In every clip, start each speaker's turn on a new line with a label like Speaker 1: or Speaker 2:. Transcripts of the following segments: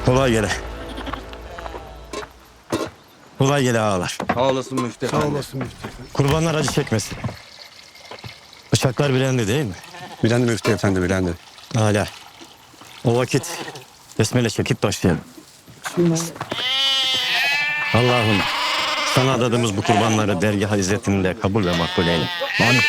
Speaker 1: Kolay gele. Kolay gele ağalar.
Speaker 2: Sağ olasın Müftü
Speaker 3: Sağ
Speaker 2: Efendi.
Speaker 3: olasın Müftü Efendi.
Speaker 1: Kurbanlar acı çekmesin. Bıçaklar bilendi değil mi?
Speaker 3: Bilendi Müftü Efendi, bilendi.
Speaker 1: Hala. O vakit besmele çekip başlayalım. Allah'ım sana adadığımız bu kurbanları dergah izzetinde kabul ve makbul eyle. Amin.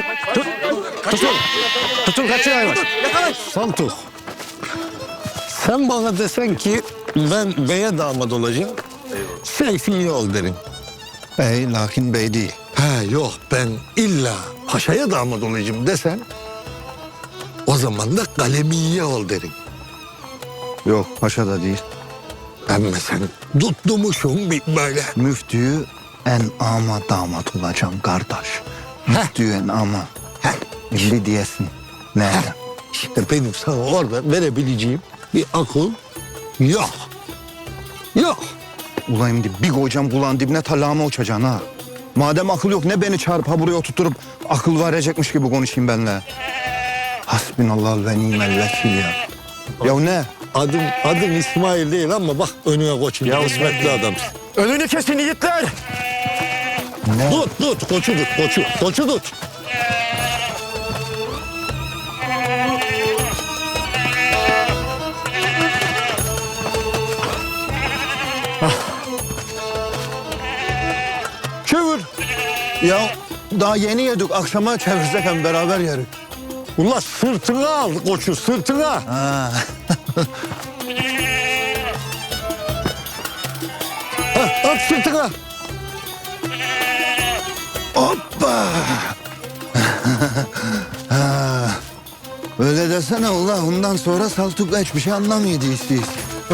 Speaker 1: Tutun kaçıyor hayvan.
Speaker 4: Saltuk. Sen bana desen ki ben beye damat olacağım. Seyfi iyi ol derim.
Speaker 5: Bey lakin bey değil.
Speaker 4: He yok ben illa paşaya damat olacağım desen o zaman da kalemiye ol derim.
Speaker 5: Yok paşa da değil.
Speaker 4: Ama sen tutmuşsun bir böyle.
Speaker 5: Müftüyü en ama damat olacağım kardeş. Müftüyü en ama. Şimdi diyesin. Ne?
Speaker 4: İşte benim sana orada verebileceğim bir akıl yok. Yok.
Speaker 5: Ulan bir koyacağım kulağın dibine talağıma uçacaksın ha. Madem akıl yok ne beni çağırıp ha buraya oturtup akıl verecekmiş gibi konuşayım benimle. Hasbinallah ve nimel vekil ya. Ya ne?
Speaker 4: Adım İsmail değil ama bak önüne koçun.
Speaker 1: Ya
Speaker 4: kısmetli adam.
Speaker 1: Önünü kesin yiğitler.
Speaker 5: Ne?
Speaker 4: Tut koçu tut koçu tut.
Speaker 5: Çevir. Ya daha yeni yedik akşama çevirsek hem beraber yeriz.
Speaker 4: Ulan sırtına al koçu sırtına.
Speaker 5: Ha.
Speaker 4: At sırtına.
Speaker 5: Hoppa. Ha. Öyle desene ulan ondan sonra Saltuk'la hiçbir şey anlamıyordu istiyoruz.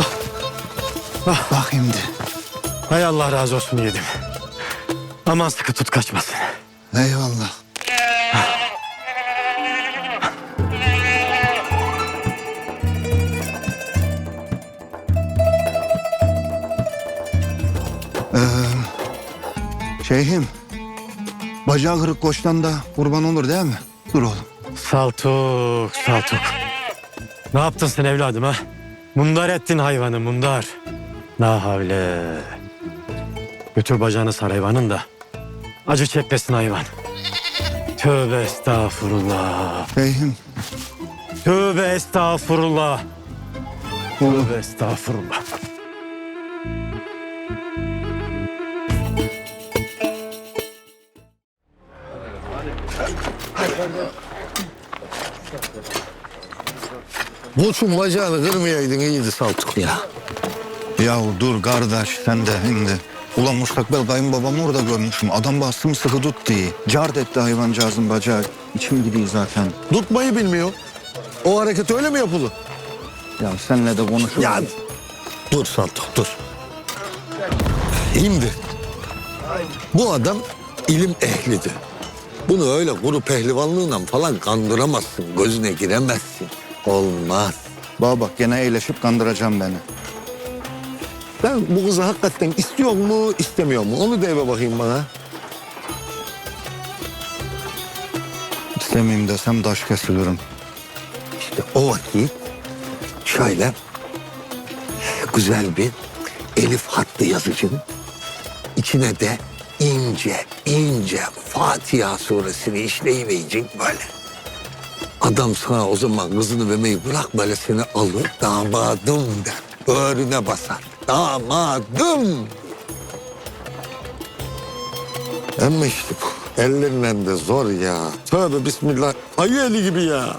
Speaker 5: Bak şimdi.
Speaker 1: Hay Allah razı olsun yedim. Aman sıkı tut kaçmasın.
Speaker 5: Eyvallah. Şeyhim, bacağı kırık koçtan da kurban olur değil mi? Dur oğlum.
Speaker 1: Saltuk. Ne yaptın sen evladım ha? Mundar ettin hayvanı mundar. La havle. Götür bacağını sar hayvanın da. Acı çekmesin hayvan. Tövbe estağfurullah.
Speaker 5: Şeyhim,
Speaker 1: Tövbe estağfurullah. Tövbe estağfurullah.
Speaker 4: Koçun bacağını kırmayaydın iyiydi Saltuk ya.
Speaker 5: yahu dur kardeş sen de şimdi. Ulan mustakbel kayınbabamı orada görmüşüm. Adam bastım sıkı tut diye. Cart etti hayvancağızın bacağı. İçim gidiyor zaten.
Speaker 4: Tutmayı bilmiyor. O hareket öyle mi yapılır?
Speaker 5: Ya senle de konuşurum.
Speaker 4: Ya dur Saltuk dur. Şimdi bu adam ilim ehlidir. Bunu öyle kuru pehlivanlığıyla falan kandıramazsın. Gözüne giremezsin. Olmaz.
Speaker 5: Bana bak gene eğleşip kandıracağım beni.
Speaker 4: Ben bu kızı hakikaten istiyor mu, istemiyor mu? Onu da eve bakayım bana.
Speaker 5: İstemeyeyim desem taş kesilirim.
Speaker 4: İşte o vakit şöyle güzel bir elif hattı yazacaksın. İçine de ince Fatiha suresini işleyivereceksin böyle. Adam sana o zaman kızını vermeyi bırak böyle seni alır damadım der. Böğrüne basar. Damadım. Ama işte bu ellerinden de zor ya. Tövbe bismillah. Ayı eli gibi ya.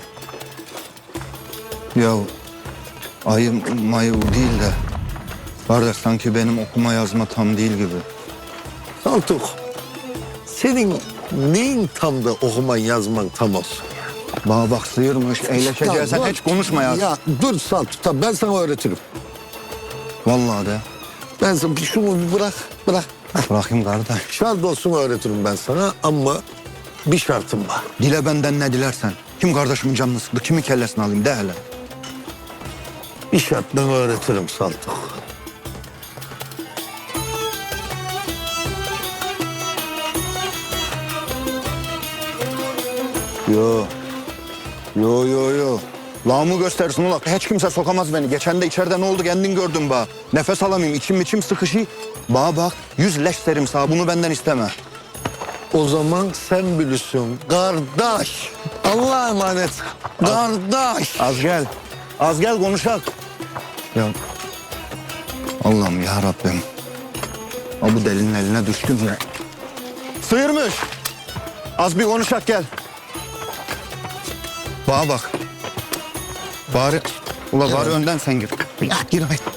Speaker 5: Ya ayı mayı değil de. Kardeş sanki benim okuma yazma tam değil gibi.
Speaker 4: Saltuk, senin neyin tam da okuman yazman tam olsun?
Speaker 5: Bana bak sıyırmış, eğleşeceğiz. Sen
Speaker 4: dur.
Speaker 5: hiç konuşma ya.
Speaker 4: Ya dur Saltuk, tamam ben sana öğretirim.
Speaker 5: Vallahi de.
Speaker 4: Ben sana şunu bir bırak.
Speaker 5: Bırakayım kardeş.
Speaker 4: Şart olsun öğretirim ben sana ama bir şartım var.
Speaker 5: Dile benden ne dilersen. Kim kardeşimin canını sıktı, kimin kellesini alayım de hele.
Speaker 4: Bir şartla öğretirim Saltuk.
Speaker 5: Yo. Lağımı göstersin ulan. Hiç kimse sokamaz beni. Geçen de içeride ne oldu kendin gördün ba. Nefes alamayayım, içim sıkışı. Ba bak, 100 leş derim sana. Bunu benden isteme.
Speaker 4: O zaman sen bilirsin kardeş. Allah'a emanet. Kardeş.
Speaker 5: Az gel. Az gel konuşak. Ya Allah'ım ya Rabbim. Ha bu delinin eline düştüm ya. Sıyırmış. Az bir konuşak gel. Bana bak. Bari, ula bari önden sen gir. Ya gir haydi.